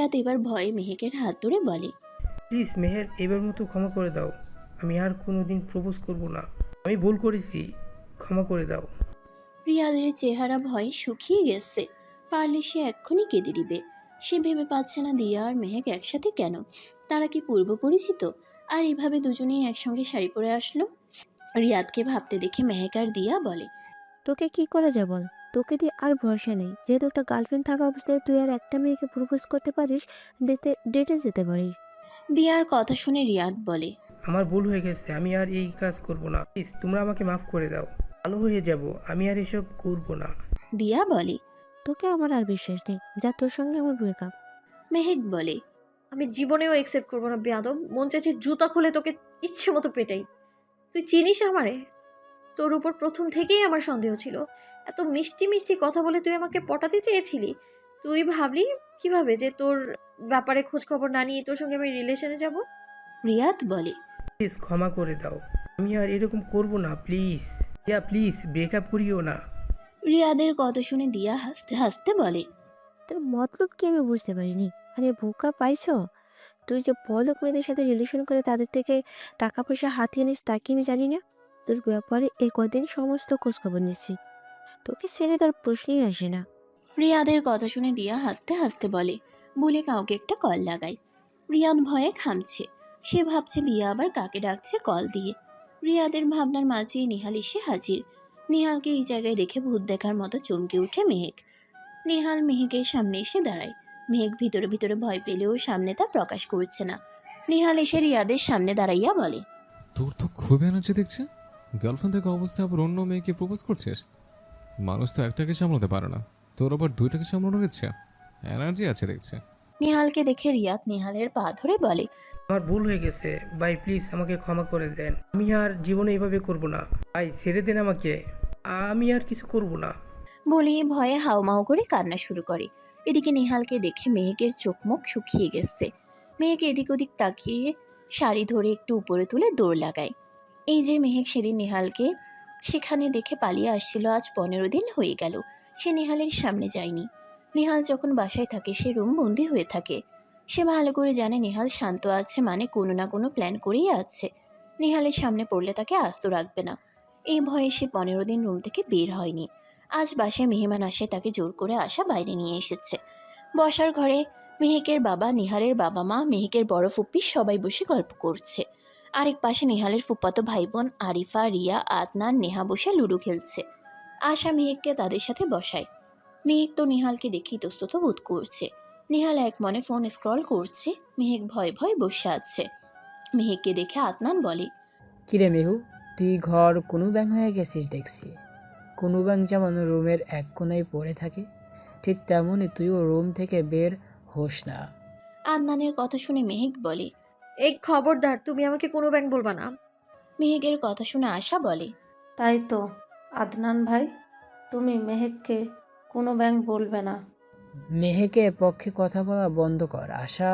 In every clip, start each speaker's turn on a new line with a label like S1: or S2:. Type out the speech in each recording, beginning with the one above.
S1: রিয়াদ এবার ভয়ে মেহেকের হাত ধরে বলে,
S2: প্লিজ মেহের, এবার মতো ক্ষমা করে দাও। আমি আর কোনোদিন প্রপোজ করব না। আমি ভুল করেছি, ক্ষমা করে দাও।
S1: রিয়াদের চেহারা ভয়ে শুকিয়ে গেছে। পারলে সে এক্ষুনি কেঁদে দিবে। সে ভেবে পাচ্ছে না দিয়া আর মেহেক একসাথে কেন। তারা কি পূর্ব পরিচিত? আর এভাবে দুজনেই একসঙ্গে শাড়ি পরে আসলো। রিয়াদকে ভাবতে দেখে মেহেক আর দিয়া বলে,
S3: তোকে কি করা যায় বল? তোকে দিয়ে আর ভরসা নেই। যেহেতু একটা গার্লফ্রেন্ড থাকা অবস্থায় তুই আর একটা মেয়েকে প্রপোজ করতে পারিস, ডেটে যেতে পারিস।
S1: দিয়ার কথা শুনে রিয়াদ বলে,
S2: আমার ভুল হয়ে গেছে, আমি আর এই কাজ করব না। প্লিজ তোমরা আমাকে মাফ করে দাও। ভালো হয়ে যাব, আমি আর এসব করব না।
S1: দিয়া বলে।
S3: তোকে আমার আর বিশ্বাস নেই। যা, তোর সঙ্গে আমার ব্রেকআপ।
S1: মেহেক বলে,
S4: আমি জীবনেও একসেপ্ট করবো না বেয়াদব। মন চাইছে জুতা খুলে তোকে ইচ্ছে মতো পেটাই। তুই চিনিস আমারে? তোর উপর প্রথম থেকেই আমার সন্দেহ ছিল। এত মিষ্টি মিষ্টি কথা বলে তুই আমাকে পটাতে চেয়েছিলি। তুই ভাবলি কিভাবে যে তোর ব্যাপারে খোঁজ খবর না নিয়ে তোর সঙ্গে আমি রিলেশনে যাব?
S1: রিয়াদ বলে,
S2: প্লিজ ক্ষমা করে দাও। আমি আর এরকম করব না, প্লিজ। ইয়া প্লিজ ব্রেকআপ করিও না।
S1: রিয়াদের কথা শুনে দিয়া হাসতে হাসতে বলে,
S3: তোর মতলব কি আমি বুঝতে পারিনি। আরে বোকা পাইছো? তুই যে বড়লোক মেয়েদের সাথে রিলেশন করে তাদের থেকে টাকা পয়সা হাতিয়ে নিস তা কি আমি জানি না? তোর ব্যাপারে এই কদিন সমস্ত খোঁজখবর নিচ্ছি। তোকে ছেড়ে তার প্রশ্নই আসে না।
S1: রিয়াদের কথা শুনে দিয়া হাসতে হাসতে বলে কাউকে একটা কল লাগায়। রিয়াদ ভয়ে খামছে। সে ভাবছে দিয়া আবার কাকে ডাকছে কল দিয়ে। রিয়াদের ভাবনার মাঝেই নিহাল এসে হাজির। নিহালকে এই জায়গায় দেখে ভূত দেখার মতো চমকে ওঠে মেহেক। নিহাল মেহেকের সামনে এসে দাঁড়ায়। মেহেক ভিতরে ভিতরে ভয় পেলেও সামনে তা প্রকাশ করছে না। নিহাল এসে রিয়াদের সামনে দাঁড়াইয়া বলে,
S5: তোর তো খুব এনার্জি দেখছে। গার্লফ্রেন্ড থেকে অবস্থায় আবার অন্য মেয়েকে প্রপোজ করছিস। মানুষ তো একটাকে সামলাতে পারে না, তোর আবার দুইটাকে সামলানো গেছে। এনার্জি আছে দেখছে।
S1: নিহালকে দেখে রিয়াদ নিহালের পা ধরে বলে,
S2: আমার ভুল হয়ে গেছে ভাই, প্লিজ আমাকে ক্ষমা করে দেন। আমি আর জীবনে এইভাবে করব না ভাই, ছেড়ে দেন আমাকে। আমি আর কিছু করব না।
S1: বলিয়ে ভয়ে হাউমাউ করে কান্না শুরু করে। এদিকে নিহালকে দেখে মেহেকের চোখ মুখ শুকিয়ে গেছে। মেহেক এদিক ওদিক তাকিয়ে শাড়ি ধরে একটু উপরে তুলে দৌড় লাগায়। এই যে মেহেক সেদিন নিহালকে সেখানে দেখে পালিয়ে আসছিল, আজ 15 দিন হয়ে গেল সে নিহালের সামনে যায়নি। নিহাল যখন বাসায় থাকে সে রুম বন্দি হয়ে থাকে। সে ভালো করে জানে নিহাল শান্ত আছে মানে কোনো না কোনো প্ল্যান করেই আছে। নিহালের সামনে পড়লে তাকে আস্ত রাখবে না। এই ভয়ে সে 15 দিন রুম থেকে বের হয়নি। আজ বাসায় মেহমান আসে, তাকে জোর করে আসা বাইরে নিয়ে এসেছে। বসার ঘরে মেহেকের বাবা, নিহালের বাবা মা, মেহেকের বড় ফুপ্পি সবাই বসে গল্প করছে। আরেক পাশে নিহালের ফুপ্পাতো ভাই বোন আরিফা, রিয়া, আদনান, নেহা বসে লুডো খেলছে। আশা মেহেককে তাদের সাথে বসায়। মেহেক তো নিহালকে দেখে ইতস্তত বোধ করছে। নিহাল এক মনে ফোন স্ক্রল করছে। মেহেক ভয়ে ভয়ে বসে আছে। মেহেককে দেখে আদনান বলে,
S6: কিরে মেহু, তুই ঘর কোনো ব্যাং হয়ে গেছিস দেখছি। কোনো ব্যাং যেমন রুমের এক কোনায় পড়ে থাকে, ঠিক তেমনই তুইও রুম থেকে বের হোস না।
S1: আদনানের কথা শুনে মেহেক বলে।
S4: এই খবরদার, তুমি আমাকে কোনো ব্যাংক বলবা না।
S1: মেহেকের কথা শুনে আশা বলে,
S7: তাই তো আদনান ভাই, তুমি মেহেককে কোনো ব্যাংক বলবে না।
S6: মেহেকে পক্ষে কথা বলা বন্ধ কর আশা।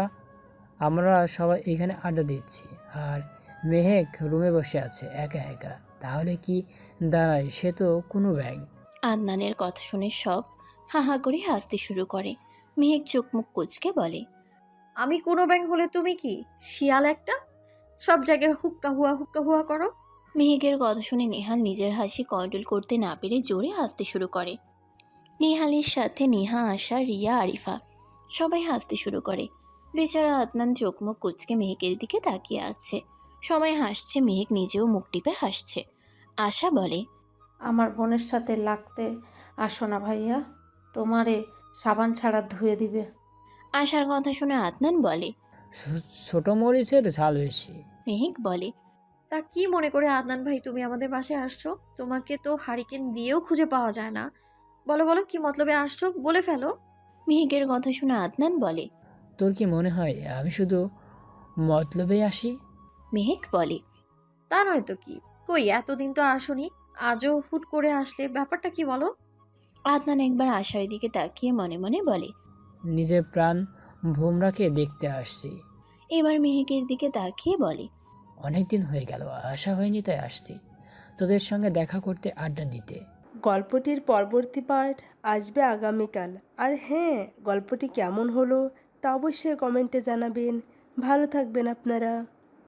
S6: আমরা সবাই এখানে আড্ডা দিচ্ছি, আর মেহেক রুমে বসে আছে একা একা। তাহলে কি দাঁড়ায়, সে তো কোনো ব্যাং।
S1: আদনানের কথা শুনে সব হাহা করে হাসতে শুরু করে। মেহেক চোখ মুখ কুঁচকে বলে,
S4: আমি কোনো ব্যাংক হলে তুমি কি শিয়াল একটা? সব জায়গায় হুক্কা হুয়া করো।
S1: মেহেকের কথা শুনে নেহাল নিজের হাসি কন্ট্রোল করতে না পেরে জোরে হাসতে শুরু করে। নেহালের সাথে নেহা, আশা, রিয়া, আরিফা সবাই হাসতে শুরু করে। বেচারা আদনান চোখ মুখ কুঁচকে মেহেকের দিকে তাকিয়ে আছে। সবাই হাসছে, মেহেক নিজেও মুখ টিপে হাসছে। আশা বলে,
S7: আমার বোনের সাথে লাগতে আসো না ভাইয়া, তোমারে সাবান ছাড়া ধুয়ে দিবে।
S1: আশার কথা শুনে আদনান বলে।
S6: ছোট মরিচের ঝাল বেশি।
S1: মেহেক বলে,
S4: তা কি মনে করে আদনান ভাই তুমি আমাদের বাসায় আসছো? তোমাকে তো হারিকেন দিয়েও খুঁজে পাওয়া যায় না। বলো বলো, কি মতলবে আসছো, বলে ফেলো।
S1: মেহেকের কথা শুনে আদনান বলে।
S6: তোর কি মনে হয় আমি শুধু মতলবে আসি?
S1: মেহেক বলে,
S4: তা নয় তো কি, কই এতদিন তো আসোনি, আজও হুট করে আসলে, ব্যাপারটা কি বলো?
S1: আদনান একবার আশার দিকে তাকিয়ে মনে মনে বলে।
S6: নিজের প্রাণ ভোমরাকে দেখতে আসছি।
S1: এবার মেহেকের দিকে তাকিয়ে বলে,
S6: অনেক দিন হয়ে গেল, আসা হয়নি তাই আসছি তোদের সঙ্গে দেখা করতে, আড্ডা দিতে।
S8: গল্পটির পরবর্তী পার্ট আসবে আগামীকাল। আর হ্যাঁ, গল্পটি কেমন হলো তা অবশ্যই কমেন্টে জানাবেন। ভালো থাকবেন আপনারা।